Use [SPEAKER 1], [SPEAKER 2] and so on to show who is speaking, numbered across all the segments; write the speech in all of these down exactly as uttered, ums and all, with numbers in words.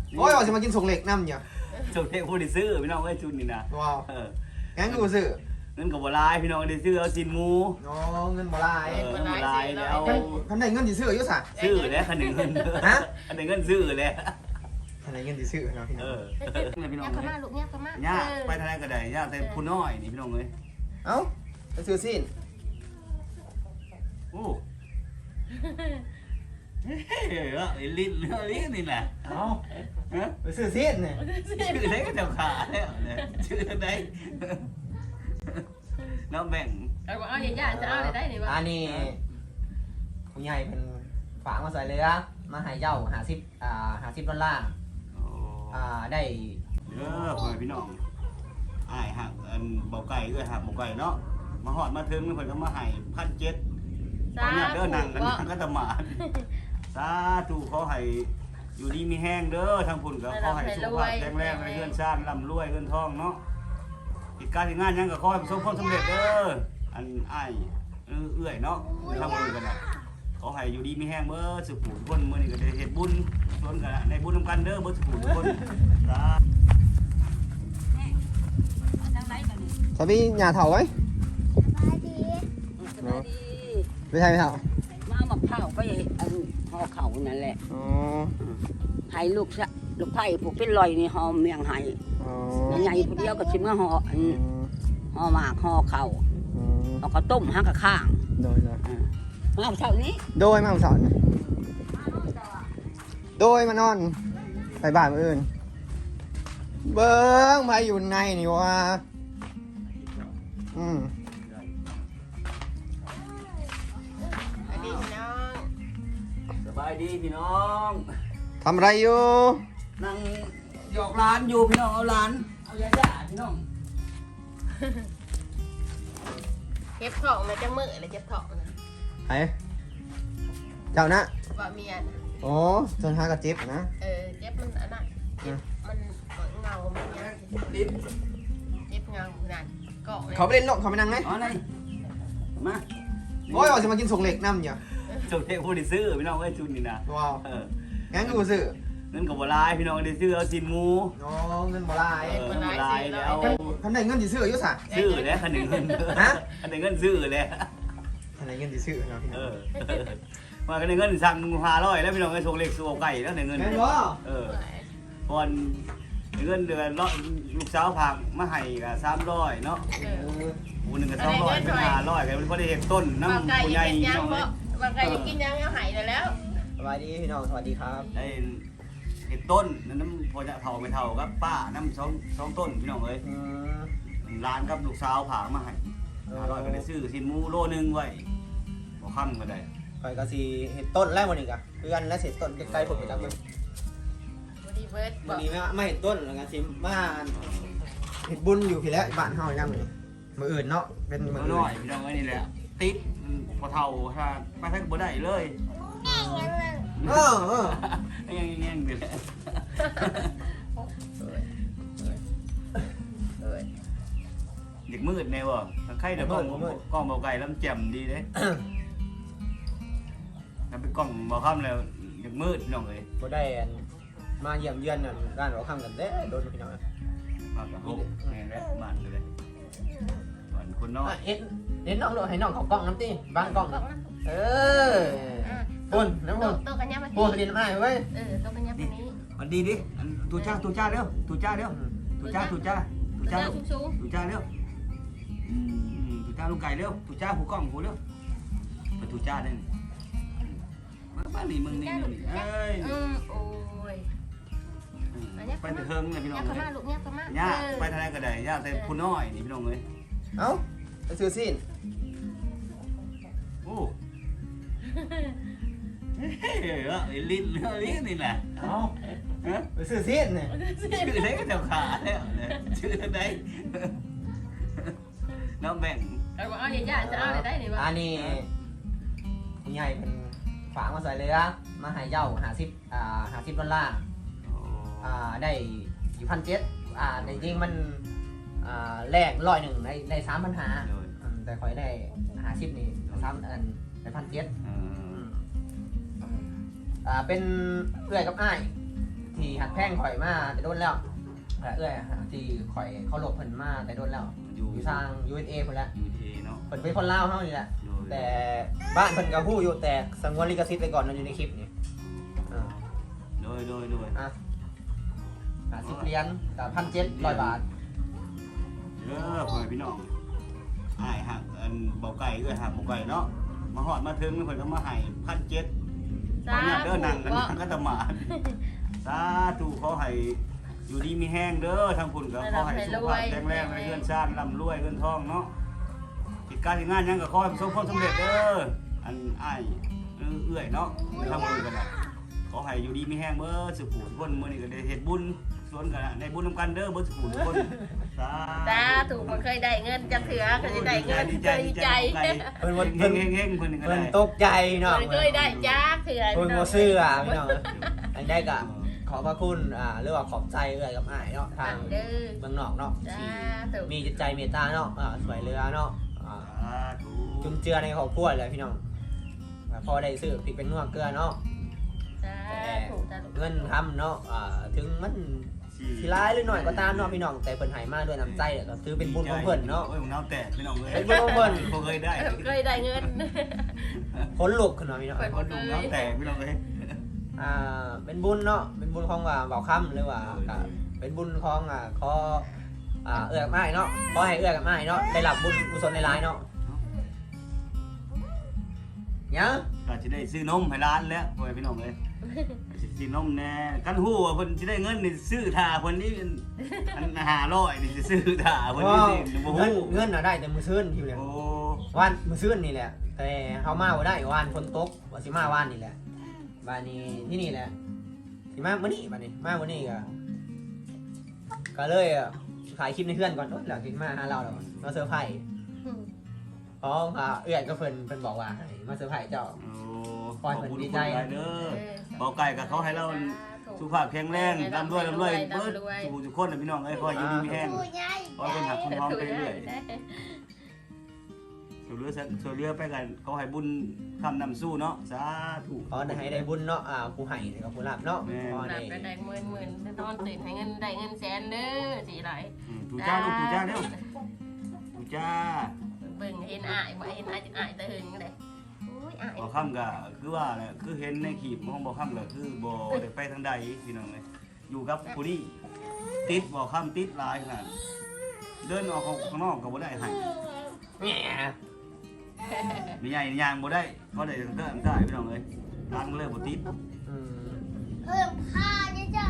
[SPEAKER 1] โอ้ยว่าจะมากินส่งเหล็กน้ำเนี่ย
[SPEAKER 2] ส่งเด็กผู้ได้ซื้อพี่น้องไอ้ชุดนี่นะ
[SPEAKER 1] ว้าว
[SPEAKER 2] เออ
[SPEAKER 1] งั้นกูซื้อ
[SPEAKER 2] เงินกับบัวลายพี่น้องได้ซื้อเอาสินหมู
[SPEAKER 1] อ๋อเงินบ่ลาย
[SPEAKER 2] เออเงินบัวลายแล้ว
[SPEAKER 1] คันไหนเงินสิซื้ออยู่ซะ
[SPEAKER 2] ซื้อแล้วคันหนึ่งเงิน
[SPEAKER 1] ฮะ
[SPEAKER 2] คันหนึ่งเงินซื้อแล้ว
[SPEAKER 1] คันไหนเงินสิซื้อเนาะพี่น้
[SPEAKER 2] เอ
[SPEAKER 1] อง
[SPEAKER 2] อพี่น้อง
[SPEAKER 3] ยักษ์ขม่าลูกยักษ์ขม่า
[SPEAKER 2] ย่าไปทางไหนก็ได้ย่าแต่ผู้น้อยนี่พี่น้องเอ้ย
[SPEAKER 1] เอ้าไปซื้อสิ้น
[SPEAKER 2] โอ้เฮ้ยไอ้ลิ้นไอ้ลิ้นนี่แหละ
[SPEAKER 1] เอ้า
[SPEAKER 2] ฮะ
[SPEAKER 1] ไปซื้อสิ้นเนี่ย
[SPEAKER 2] ชื่อไหนก็จะขาแล้วเนี่ยชื่อไหนน้องแบ่ง
[SPEAKER 3] เอาเอาใหญ่ๆจะเอาอะไรได้เนี่ย
[SPEAKER 1] อั
[SPEAKER 3] วะ
[SPEAKER 1] นนี้ผู้ใหญ่เป็นฝากมาใส่เรือมาให้เจ้าหาสิบอ่าหาสิบดอลลาร์
[SPEAKER 2] โอ้
[SPEAKER 1] อ่าได้
[SPEAKER 2] เออพ่อพี่น้องอ้ายหักอันเบาไก่เอ้ยหักเบาไก่เนาะมาหอดมาถึงเพิ่นก็มาให้พันเจ็ดตอนนี้เด้อนั่งกันนั่งก็ตะหมาดสาธุขอให้อยู่ดีมีแห้งเด้อทางพุ่นก็ขอให้สุขภาพแข็งแรงในเรือนชาติร่ำรวยเงินทองเนาะกิจการที่งานหยังก็ขอให้ประสบความสำเร็จเด้ออันอ้ายเอื้อยเนาะทำบุญกันน่ะขอให้อยู่ดีมีแห้งเบ้อสุขผู้ทุกคนมื้อนี้ก็ได้เฮ็ดบุญชวนกันในบุญนำกันเด้อเบ่สุขผู้ทุกคนสา
[SPEAKER 1] สวัสดีnhà thầu ấy
[SPEAKER 4] สบายดี
[SPEAKER 1] ไม่ใช่ไม่เท่า
[SPEAKER 4] มาเอามะพร้าวไปอันห่อเขานั่นแหละ
[SPEAKER 1] อ๋อ
[SPEAKER 4] ให้ลูกสะลูกไผ่ผูกเป็นลอยนี่ห่อเมียงให้
[SPEAKER 1] อ๋อ
[SPEAKER 4] ใหญ่ๆผู้เดียวก็ชิมก็ห่ออันห่อหมากห่อเข่า
[SPEAKER 1] อ๋อ
[SPEAKER 4] เอาข้าวต้มหักกับข้าง
[SPEAKER 1] โดยโดย
[SPEAKER 4] มาเอาเช้านี้
[SPEAKER 1] โดยมาสอนโดยมานอนไปบ้านมื้ออื่นเบิ้งมาอยู่ในนี่วะอืม
[SPEAKER 3] อันนี้พี่น้อง
[SPEAKER 2] สบายดีพี่น้อง
[SPEAKER 1] ทำอะไรอยู่
[SPEAKER 2] นั่งหยอกร้านอยู่พี่น้องเอาร้านเอายาจ่าพี่น้อง
[SPEAKER 3] เก็บของมาจะมือเลยเก็บของนะ
[SPEAKER 1] ไหนเจ้านะ
[SPEAKER 3] ว่าเมียนะ
[SPEAKER 1] โอ้จนหากระจิบนะ
[SPEAKER 3] เออเจ็บมันอันนั้นเจ็บมันเงามันเนี้ย
[SPEAKER 2] ลิ้น
[SPEAKER 3] เจ็บเงานั่นเกาะเลย
[SPEAKER 1] เขาไปเล่นนกเขาไปนั่งไหม
[SPEAKER 2] อ๋อไหนมา
[SPEAKER 1] โอ้ยว่าจะมากินส่งเหล็กน้ำเนี่ย
[SPEAKER 2] ส่งเทพผู้ได้ซื้อพี่น้องไอ้ชุดนี่นะ
[SPEAKER 1] ว้าว
[SPEAKER 2] เออ
[SPEAKER 1] งั้นกูซื้อ
[SPEAKER 2] เงินกับบัวลายพี่น้องได้ซื้อเอาสินหมู
[SPEAKER 1] อ๋อเงินบ่ลาย
[SPEAKER 2] เออบัวลายแล้ว
[SPEAKER 1] คันไหนเงินสิซื้ออยู่ซะ
[SPEAKER 2] ซื้อแล้วคันหนึ่งเงิน
[SPEAKER 1] ฮะ
[SPEAKER 2] คันหนึ่งเงินซื้อแล้ว
[SPEAKER 1] คันไหนเงินสิซื้อเนาะพี่
[SPEAKER 2] เอ
[SPEAKER 1] น้อง
[SPEAKER 2] อมาคันหนึ่งเงินสั่งห้าร้อยแล้วพี่น้องไอ้ส่งเล็กส่งไก่แล้วหนึ่งเงิน
[SPEAKER 1] แม่นบ่
[SPEAKER 2] เออก่อนเงินเดือนลูกสาวผักมาให้กับสามร้อยเนาะ
[SPEAKER 3] เออ
[SPEAKER 2] ผู้หนึ่งก็สองร้อยเป็นห้าร้อยกันเป็นคนได้เห็นต้น
[SPEAKER 3] บาง
[SPEAKER 2] น้ำ
[SPEAKER 3] ไก่
[SPEAKER 2] ผู้
[SPEAKER 3] อ
[SPEAKER 2] ใหญ่
[SPEAKER 3] ยากกิน
[SPEAKER 2] พี่
[SPEAKER 3] ยัง
[SPEAKER 2] น้องเล
[SPEAKER 3] บ่
[SPEAKER 2] ย
[SPEAKER 3] บางไก่อยากกินยังเอาหายแล้ว
[SPEAKER 1] สวัสดีพี่น้องสวัสดีครับ
[SPEAKER 2] ได้เห็ดต้นน้ำพอจะเท่าไม่เท่ากับป้าน้ำสองสองต้นพี่น้องเอ้ย
[SPEAKER 1] อืม
[SPEAKER 2] ร้านกับลูกสาวผามาให้ห้าร้อยก็ได้ซื้อสินหมูโลนึงไว้บ่ค่ำก็ได้
[SPEAKER 1] ข่อยก็สิเห็ดต้นแล้วมื้อนี้ก็เพื่อนและเสร็จต้นใกล้ๆผมไปจักมื้อ
[SPEAKER 3] บอดี้เบิร์ดบ
[SPEAKER 1] มื้
[SPEAKER 3] อ
[SPEAKER 1] อก นี้ไม่ไม่เห็ดต้นแล้วก็สิมาเห็ดบุญอยู่พี่แล้วบ้านเฮายังมื้อมื้ออื่นเนาะเป็นมื้อ
[SPEAKER 2] มื้อ
[SPEAKER 1] อื่
[SPEAKER 2] น้อย
[SPEAKER 1] น
[SPEAKER 2] พี่น้องเอ้ยนี่แหละติดพอเท่าถ้าไปทักบ่ได้เลย
[SPEAKER 1] เออเออ
[SPEAKER 2] ยังยังยังอยู่แหละ
[SPEAKER 3] เออ
[SPEAKER 2] เด็กมืดแน่บ่ใครเดี๋ยวกล้องกล้องเบาไก่ลำแจ่มดีเด้ถ้าเป็นกล้องเบาค่ำแล้วเด็กมืดพี่น้องเอ้ย
[SPEAKER 1] บ่ได้อันมาเยี่ยมเยือนนั่นร้านเราค้ำกันเด้โดนพี่น้อง
[SPEAKER 2] มากกว่าหกแม่นแล้วบ้านเลยบ้านคนน้อย
[SPEAKER 1] อ่ะเอ็นเอ็นน้องโดให้น้องเขากล้องน้ำติบางกล้อง
[SPEAKER 3] บอกนะ
[SPEAKER 1] เออปุ่นน้ำ
[SPEAKER 3] โต
[SPEAKER 1] ปุ่น
[SPEAKER 3] โตกันยังมา
[SPEAKER 1] ปุ่นดินอ้ายเว้ย
[SPEAKER 3] เออโตกันยังมานี้
[SPEAKER 2] มันดีดิอันตูจ้าตูจ้าเร็วตูจ้าเร็วตูจ้าตูจ้าตูจ้า
[SPEAKER 3] เจ้า
[SPEAKER 2] เร็ว
[SPEAKER 3] สูง
[SPEAKER 2] ตูจ้าเร็วอืมตูจ้าลูกไก่เร็วตูจ้าหูกล้องหูเร็วไปตูจ้าได้นี่มาบ้านนี่มึงนี่มึงนี่เอ้ย
[SPEAKER 3] ๆอืมโอ้ย
[SPEAKER 2] ไปแต่เฮิงเลยพี่น้อง
[SPEAKER 3] ยักษ์ข
[SPEAKER 2] เล
[SPEAKER 3] ม่าย ลูกยักษ์ขม่า
[SPEAKER 2] ย่าไปทางไหนก็ได้ย่าแต่ผู้น้อยนี่พี่น้องเลย
[SPEAKER 1] เอ้าไปซื้อสิ้น
[SPEAKER 2] โอ้เฮ้ยลิ้นลิ้นนี่แหละ
[SPEAKER 1] เอ้า
[SPEAKER 2] ฮะ
[SPEAKER 1] ไปซื้อสิ้นเนี่ย
[SPEAKER 2] ชื่อไหนก็จะขาแล้วเนี่ยชื่อไหนน้องแบ่ง
[SPEAKER 3] เอาเอาใหญ่ๆจะเอาอะไรได้เนี่ยวะ
[SPEAKER 1] อันนี้ผู้ใหญ่เป็นฝากมาใส่เรือมาให้เจ้าหาสิบอ่าหาสิบดอลลาร์อ่าได้อยู่พันเจ็ดอ่าในจริงมันอ่าแลกร้อยหนึ่งในในสามพันหาแต่คอยได้หาสิบนี่สามอันในพันเจ็ดอ่าเป็นเพื่อนกับอ้ายทที่หักแพงข่อยมาแต่โดนแล้วแต่เอ้ยที่ข่อยเขาหลบเพิ่นมาแต่โดนแล้ว
[SPEAKER 2] อยู่
[SPEAKER 1] อยู่ทาง ยู เอส เอ เพิ่นละ
[SPEAKER 2] ยูเอเนาะ
[SPEAKER 1] เพิ่นเป็นคนลาวเฮานี่แหละ
[SPEAKER 2] โดย
[SPEAKER 1] แต่บ้านเพิ่นก็ฮู้อยู่แต่สงวนลิขสิทธิ์ไว้ก่อนมันอยู่ในคลิปนี่อ่า
[SPEAKER 2] โดยโดยโดย
[SPEAKER 1] อ่ะห้าสิบเหรียญกับพันเจ็ดร้อยบาท
[SPEAKER 2] เด้อพ่อแม่พี่น้องอ้ายหักอันเบาไก่เอ้ยหักเบาไก่เนาะมาฮอดมาถึงเพิ่นก็มาให้พันเจ็ดขอเนี่ยเด้อนั่งกันนั่งก็ตะหมาดสาธุขอให้อยู่ดีมีแห้งเด้อทางคุณก็ขอให้สุขภาพแข็งแรงในเงินชาติร่ำรวยเงินทองเนาะกิจการที่งานหยังก็ขอให้ประสบความสำเร็จเด้ออันอ้ายเอื้อยเนาะทางคุณก็ได้ขอให้อยู่ดีมีแห้งเบ้อสุขทุกคนมื้อนี้ก็ได้เฮ็ดบุญสวนกันได้บุญนำกันเด้อเบ่สุขทุกคนสา
[SPEAKER 3] ตาถูกมันเคยได้เงินจะเถือเคยได้เงิน
[SPEAKER 2] ดี
[SPEAKER 3] เค
[SPEAKER 2] ใจ
[SPEAKER 3] ย
[SPEAKER 2] ดี
[SPEAKER 3] ดี
[SPEAKER 2] ใจ
[SPEAKER 3] ใจ
[SPEAKER 1] เพิ่น
[SPEAKER 2] เฮ
[SPEAKER 1] เพิ่น
[SPEAKER 2] งเฮงเฮงเพิ่นก็
[SPEAKER 1] เพิ่น
[SPEAKER 2] ได้
[SPEAKER 1] ตกใจเนาะ
[SPEAKER 3] มันเคยได้จ้าเถือ
[SPEAKER 1] เพิ่นบ่ซื้ออ่ะพี่น้องอันได้ก็ขอบพระคุณอ่าหรือว่าขอบใจเอ้ยกับอ้ายเนาะทาง
[SPEAKER 3] เด้อ
[SPEAKER 1] เมืองนอกเนาะ
[SPEAKER 3] จ้า
[SPEAKER 1] ที่
[SPEAKER 3] ถูก
[SPEAKER 1] มีจิตใจเมตตาเนาะอ่าสวยเรือเนาะอ่า
[SPEAKER 2] สาธุ
[SPEAKER 1] จุนเจือในครอบครัวเลยพี่น้องอ่าพอได้ซื้อพริกเป็นนัวเกลือเนาะ
[SPEAKER 3] จ้าถูกจ้าถูก
[SPEAKER 1] เงินทำเนาะอ่าถึงมันสิร้ายหรือหน่อยก็ตามเนาะพี่น้องแต่เพิ่นให้มาด้วยน้ำใจเนี่ยก็ถือเป็นบุญของเพิ่นเนาะ
[SPEAKER 2] โอ้ยผมน้ำแตกพี่น้องเลย
[SPEAKER 1] เป็นบุญของเพิ่น
[SPEAKER 2] ผมเคยได้
[SPEAKER 3] เคยได้เงิน
[SPEAKER 1] ขนลุกขึ้นมาพี่น้อง
[SPEAKER 2] คนดูน้ำแตกพี่น้องเลย
[SPEAKER 1] อ่าเป็นบุญเนาะเป็นบุญของว่าเบาค่ำหรือว่าก็เป็นบุญของอ่าขออ่าเอื้อกับอ้ายเนาะขอให้เอื้อกับอ้ายเนาะได้รับบุญกุศลในหลายๆเนาะยัง
[SPEAKER 2] ก็จะได้ซื้อนมให้ร้านแล้วพ่อพี่น้องเลยซื้อนมแน่กันหู้ว่าเพิ่นจะได้เงินนี่ซื้อถ่าเพิ่นนี่อันห้าร้อยนี่สิซื้อถ่าเพิ่น
[SPEAKER 1] ว้า
[SPEAKER 2] นี่
[SPEAKER 1] ว
[SPEAKER 2] สิบ่
[SPEAKER 1] เงิน
[SPEAKER 2] ฮู้
[SPEAKER 1] เงินน่ะได้แต่มื้อซื่นอยู่เลย
[SPEAKER 2] โอ้
[SPEAKER 1] วันมื้อซื่นนี่แหละ แต่เฮามาบ่ได้วันฝนตกว่าสิมาวันนี่แหละบ้านนี้ที่นี่แหละสิมามื้อนี้บ้านนี้มามื้อนี้ก็ก็เลยอ่ะขายคลิปในเพื่อนก่อนโอ๊ยหลังกินมาหาเราแล้วมาเซอร์ไพรส์เพราะอ่าเอื้อยก็เพิ่นเพิ่นบอกว่าให้มาเซอร์ไพรส์เจ้า
[SPEAKER 2] โอ้
[SPEAKER 1] ปล่อยเพิ่นดีใจ
[SPEAKER 2] ขอบคุณหลายเด้อเบาไก่กับเขาให้เราสุขภาพแข็งแรงร่ำรวยร่ำรวยเบิดทุกทุกคนนะพี่น้องเอ้ยขออยู่ดีมีแห้ง ขอให้คนหักคนหอมไปเรื่อยช่วยเหลือช่วยเหลือไปกันเขาให้บุญคำนำสู้เนาะสาธุ
[SPEAKER 1] ขอให้ได้บุญเนาะอ่าผู้ให้กับผู้รับเนาะขอ
[SPEAKER 3] หนั
[SPEAKER 1] ให้
[SPEAKER 3] กก็ได้หมื่นหมื่นนอนตื่นให้เงินได้เงินแสนเด้อสิไหล
[SPEAKER 2] อืมถูจ้าลูกถูจ้าเร็วถูจ้า
[SPEAKER 3] เบิ่งเห็นอายบ่เห็นอายจะอายตะหึงเลยอุ้ยอาย
[SPEAKER 2] บ่คำก็คือว่าแหละคือเห็นในคลิปมองบ่คำก็คือบ่ได้ไปทางใดพี่น้องเลยอยู่กับผู้นี้ติดบ่คำติดหลายขนาดเดินออกข้างนอกก็บ่ได้ให้
[SPEAKER 1] แหม
[SPEAKER 2] มีใหญ่ยางบ่ได้ก็ได้เดินได้พี่น้องเลยร้านก็เลยบ่ติด
[SPEAKER 1] อืม
[SPEAKER 5] เพิ่มค่าเยอะ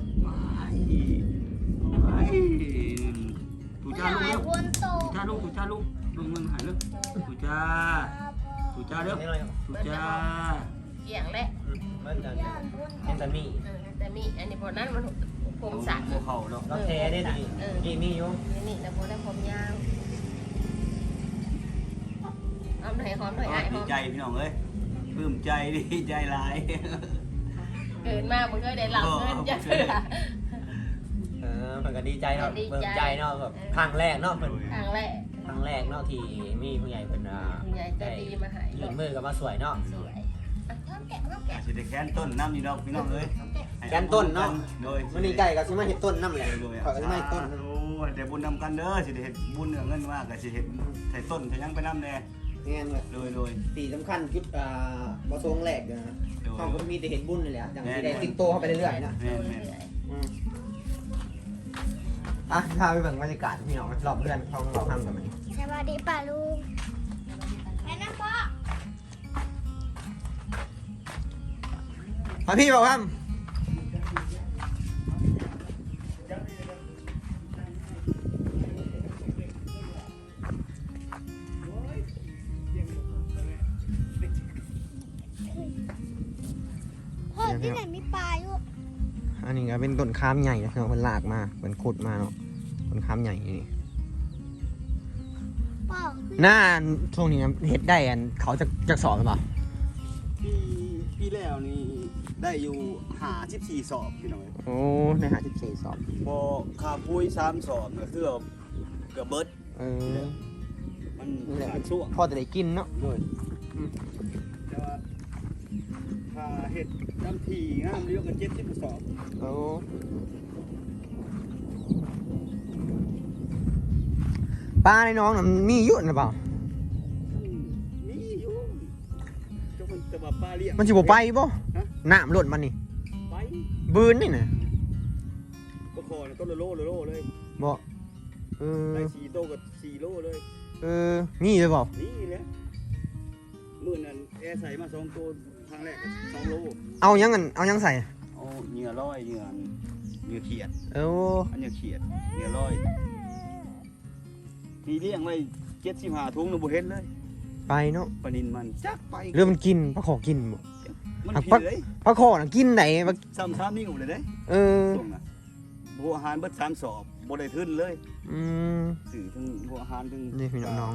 [SPEAKER 2] ถู
[SPEAKER 5] ๆ
[SPEAKER 2] จ้าลูก
[SPEAKER 5] หลา
[SPEAKER 2] เร็
[SPEAKER 5] ยว คนโต
[SPEAKER 2] ถูจ้าลูกถูจ้าลูกลงเงินหายเร็วถูจ้าถูจ้าเร็ว
[SPEAKER 1] นี่เลย
[SPEAKER 2] ถูจ้า
[SPEAKER 3] เกี่ยงแหละ
[SPEAKER 1] อืมมันจะเป็นแต่มี
[SPEAKER 3] เออแต่มีอันนี้พอนั้นมันผมสั่ง
[SPEAKER 2] หัวเข่าเนาะ
[SPEAKER 1] เราแท้ได้ดีนี่มีอยู่
[SPEAKER 3] นี่แต่พอได้ผมยาวหอมหน่อยหอมหน่อยอายห
[SPEAKER 2] ดี
[SPEAKER 3] อม
[SPEAKER 2] ใจพี่น้องเอ้ยปลื้มใจดีใจหลาย
[SPEAKER 3] เกินมากมันก็ได้หลับเงินจะเถื่อ
[SPEAKER 1] เออเพิ่นก็ดีใจเนาะ
[SPEAKER 3] ดีใจ
[SPEAKER 1] เบิ่มใจเนาะแบบครั้งแรกเนาะเพิ่น
[SPEAKER 3] ครั้งแรก
[SPEAKER 1] ครั้งแรกเนาะที่มีผู้ใหญ่เพิ่นอ่า
[SPEAKER 3] คุณยายใจดีมาให้
[SPEAKER 1] ยื่นมือกับมาสวยเนาะ
[SPEAKER 3] สวยอ่ะห้ามแกะห้ามแกะ
[SPEAKER 2] สิได้แค้นต้นน้ำนี่ดอกพี่น้องเอ้ย
[SPEAKER 1] แกนต้นเนาะ
[SPEAKER 2] โดย
[SPEAKER 1] มื้อนี้ไก่ก็สิมาเฮ็ดต้นนำแหละ
[SPEAKER 2] โดย
[SPEAKER 1] ขอยก็สิมาเฮ็ดต้น
[SPEAKER 2] โอ้ยแต่บุญนำกันเด้อสิได้เฮ็ดบุญเงินมากก็สิเฮ็ดใส่ต้นใส่ยังไปนำแน่
[SPEAKER 1] แม่นเลย
[SPEAKER 2] โดยโดย
[SPEAKER 1] สิ่งสำคัญจุดอ่าประสงค์แรกเด้อนะ
[SPEAKER 2] โดย
[SPEAKER 1] เฮาก็มีแต่เฮ็ดบุญนี่แหละจังสิได้ติดโตเข้าไปเรื่อยๆนะ
[SPEAKER 2] แม่นแม่น
[SPEAKER 1] อืมอ่ะพาไปเบิ่งบรรยากาศพี่น้องรอบเรือนของเราทำกันมานี่
[SPEAKER 5] สวัสดีป่าลุงแม่นะพ่อ
[SPEAKER 1] มาพี่บอกครับ
[SPEAKER 5] พ่อที่ไหนมีปลาอยู่
[SPEAKER 1] อันนี้ก็เป็นต้นข้ามใหญ่นะเนาะมันลากมาเป็นขุดมาเนาะต้นข้ามใหญ่นี่
[SPEAKER 5] พ่อ
[SPEAKER 1] หน้าช่วงนี้เฮ็ดได้อันเขาจะจะสอบหรือเปล่า
[SPEAKER 2] ปีปีแล้วนี่ได้อยู่ห้าสิบสี่สอบพี่น้องเอ้ย
[SPEAKER 1] โอ้ในหาสิบสี่สอบ
[SPEAKER 2] บ่ค่าปุ้ยสามสอบก็คือเกือบเบิด
[SPEAKER 1] เออ
[SPEAKER 2] มัน
[SPEAKER 1] นี่แหละ
[SPEAKER 2] ขาดช่วง
[SPEAKER 1] พอจะได้กินเนาะ
[SPEAKER 2] ด้วยแต่ว่าค่าเห็ดน้ำทีงามเรียกกันเจ็ดสิบกระสอบ
[SPEAKER 1] โอ้ปลาในน้องน่ะมันมีอยู่นะเปล่า
[SPEAKER 2] นี่อยู่เจ้ามันจะมาปลาเลี้ยง
[SPEAKER 1] มันสิบ่ไปบ่
[SPEAKER 2] ฮะ
[SPEAKER 1] น้ำล้นมันนี่
[SPEAKER 2] ไป
[SPEAKER 1] บืนนี่น่ะ
[SPEAKER 2] ก็คอเนี่ยต้นละโลละโลเลย
[SPEAKER 1] บ่เออ
[SPEAKER 2] ได้สี่โตกับสี่โลเลย
[SPEAKER 1] เออมีเลยเปล่า
[SPEAKER 2] นี่แหละมื่อนั้นแอร์ใส่มาสองตัวครั้งแรกสองโล
[SPEAKER 1] เอายังกันเอายังใส่
[SPEAKER 2] เอาเหงื่อร้อยเหงื่อเหงื่อเขียด
[SPEAKER 1] เออ
[SPEAKER 2] อันเหงื่อเขียดเหงื่อร้อยทีเลี้ยงไว้เจ็ดสิบห้าถุงเราบ่เห็นเลย
[SPEAKER 1] ไปเนาะ
[SPEAKER 2] ปลานินมันจักไป
[SPEAKER 1] เรื่องมันกินปลาขอกินบ่
[SPEAKER 2] มัน
[SPEAKER 1] หัก
[SPEAKER 2] ผิ
[SPEAKER 1] ปั
[SPEAKER 2] ด
[SPEAKER 1] ก
[SPEAKER 2] เลย
[SPEAKER 1] ปลาขอน่ะกินไหนปลา
[SPEAKER 2] ซ้ำซ้ำนี่อยู่เลยเด้
[SPEAKER 1] เออ
[SPEAKER 2] ส่งน่ะบัวอาหารเบิดสามสอบบ่ได้ทึนเลย
[SPEAKER 1] อืม
[SPEAKER 2] สื่อถึงบัวอาหารถึง
[SPEAKER 1] นี่พี่น้อง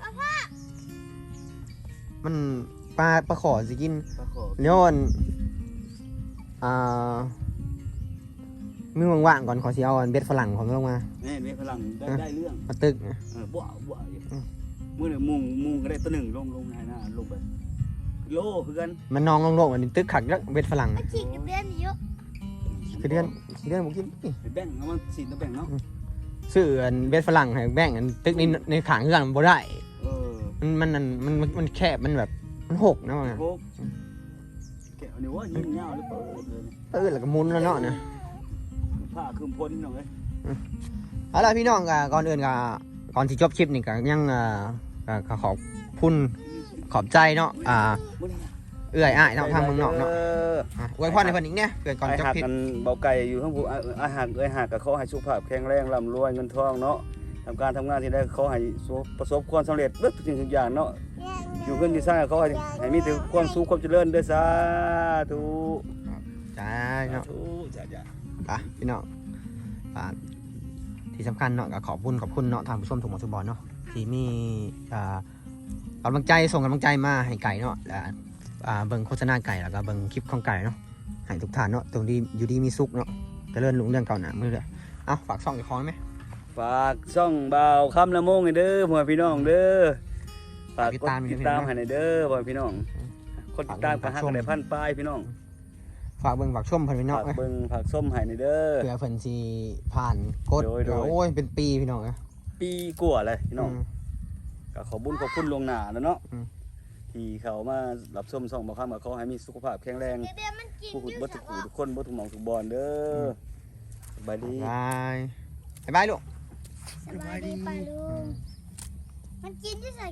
[SPEAKER 1] ๆมันปลาปลาขอสิกิน
[SPEAKER 2] ปลาขอ
[SPEAKER 1] เดี๋ยวอันอ่ามือว่างๆก่อนขอสิเอาอันเบ็ดฝรั่งของลงมา
[SPEAKER 2] แม่เมีพลังได้ได้เรื่อง
[SPEAKER 1] มาตึกนะ
[SPEAKER 2] เออบ่บ่อยู่
[SPEAKER 1] อืม
[SPEAKER 2] มื้อนี้มุงมุงก็ได้ตัวหนึ่งลงลงให้หน้าลงไปโลคือกัน
[SPEAKER 1] มันนองลงๆอันนี้ตึกขักแล้วเบ็ดฝรั่ง
[SPEAKER 5] มาฉีกกับเดือนเยอะ
[SPEAKER 1] คือเดือนคือเดือนบ่กินนี่
[SPEAKER 2] ไปแบ่งเอามาสิตัวแบ่งเนาะ
[SPEAKER 1] ซื้ออันเบ็ดฝรั่งให้แบ่งอันตึกในในขางเฮือนมันบ่ได้
[SPEAKER 2] เออ
[SPEAKER 1] มันมันอันมันมันมันแคบมันแบบมันหกนะมัน
[SPEAKER 2] โคกแกะอันนี้ว่ายิ่งยาวหรือเปล่าเลย
[SPEAKER 1] เออแล้วก็หมุนแล้วเนาะนะ
[SPEAKER 2] ผ้าคลุมพ้นพี่น้องเอ้ย
[SPEAKER 1] เอาล่ะพี่น้องก็ก่อนอื่นก็ก่อนที่จบคลิปนี่ก็ยังอ่าก็ก็ขอบคุณขอบใจเนาะอ่า
[SPEAKER 2] มื้อนี้
[SPEAKER 1] เอื้อยอ้ายเนาะทางเมืองนอกเนาะอ่ะอวยพรให้เพิ่นอีกเนี่ยเพื่อก่อน
[SPEAKER 2] ไอ้
[SPEAKER 1] จบ
[SPEAKER 2] หัก
[SPEAKER 1] คลิป
[SPEAKER 2] กันเบาไก่อยู่ข้างผู้อาหารเอ้ยหักก็ขอให้สุขภาพแข็งแรงร่ำรวยเงินทองเนาะทำการทำงานที่ได้ขอให้ประสบความสำเร็จเบิดทุกสิ่งทุกอย่างเนาะอยู่เงินที่สร้างก็ขอให้ให้มีแต่ความสุขความเจริญเด้อสาธุ
[SPEAKER 1] จ้าเนาะ
[SPEAKER 2] สาธุจ้าจ้า
[SPEAKER 1] ไปพี่น้องอ่าที่สำคัญเนาะก็ขอบคุณขอบคุณเนาะทางผู้ชมทุกหมอทุกบอลเนาะที่มีอ่ากำลังใจส่งกำลังใจมาให้ไก่เนาะและอ่าเบิ่งโฆษณาไก่แล้วก็เบิ่งคลิปของไก่เนาะให้ทุกท่านเนาะตรงที่อยู่ดีมีสุขเนาะเจริญรุ่งเรืองเก่าหนามือเลยเอาฝากช่องอีกคอนไหม
[SPEAKER 2] ฝากช่องบ่าวคำละโมงให้เด้อพ่อพี่น้องเด้อฝากกดติดตามให้หน่อยเด้อพ่อพี่น้องคนติดตามก็หักกันได้พันปลายพี่น้อง
[SPEAKER 1] ฝากเบิ่งฝากชมเพิ่นพี่น้อง
[SPEAKER 2] ฝาก
[SPEAKER 1] เอ้ย
[SPEAKER 2] เบิ่งฝากส้มให้หน่อยเด้อ
[SPEAKER 1] เพื่อเพิ่นสิผ่านกด
[SPEAKER 2] โดยโดย
[SPEAKER 1] โอ้ยเป็นปีพี่น้องเอ้ย
[SPEAKER 2] ปีกว่าเลยพี่น้อง
[SPEAKER 1] อืม
[SPEAKER 2] ก็ขอบุญขอบคุณลวงหน้าแล้วเนาะ
[SPEAKER 1] อืม
[SPEAKER 2] ที่เขามารับส้มส่องบ่าวคำก็ขอให้มีสุขภาพแข็งแรง
[SPEAKER 5] เดือนมันกิน
[SPEAKER 2] ผู้
[SPEAKER 5] อ
[SPEAKER 2] ขุด
[SPEAKER 5] ยู่
[SPEAKER 2] บ่
[SPEAKER 5] สั
[SPEAKER 2] ทุ
[SPEAKER 5] ก
[SPEAKER 2] ก
[SPEAKER 5] ว่า
[SPEAKER 2] ผู้ทุกคนบ่ทุกหม่องทุกบอนเด้อสบายดี
[SPEAKER 1] บายบ๊ายบายลูก
[SPEAKER 5] สบายดีป่ะลุงมันกินที่ใส่